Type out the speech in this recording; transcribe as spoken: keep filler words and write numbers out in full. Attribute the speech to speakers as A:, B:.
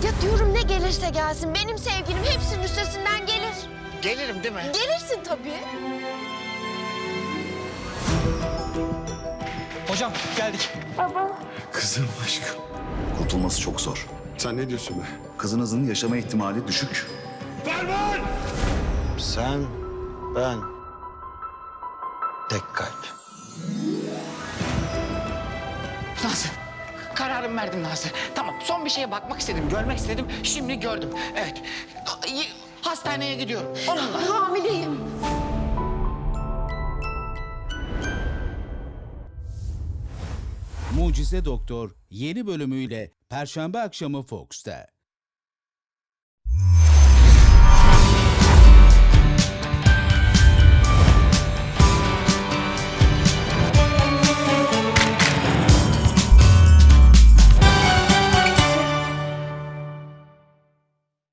A: Ya diyorum ne gelirse gelsin. Benim sevgilim hepsinin üstesinden gelir.
B: Gelirim değil mi?
A: Gelirsin tabii.
C: Hocam geldik.
D: Kızım aşkım. Kurtulması çok zor.
E: Sen ne diyorsun be?
D: Kızınızın yaşama ihtimali düşük.
B: Sen, ben, tek kalp.
C: Nazlı. Kararımı verdim Nazlı. Tamam, son bir şeye bakmak istedim, görmek istedim. Şimdi gördüm. Evet. Hastaneye gidiyorum. Onunla.
A: Hamileyim.
F: Mucize Doktor yeni bölümüyle Perşembe akşamı Fox'ta.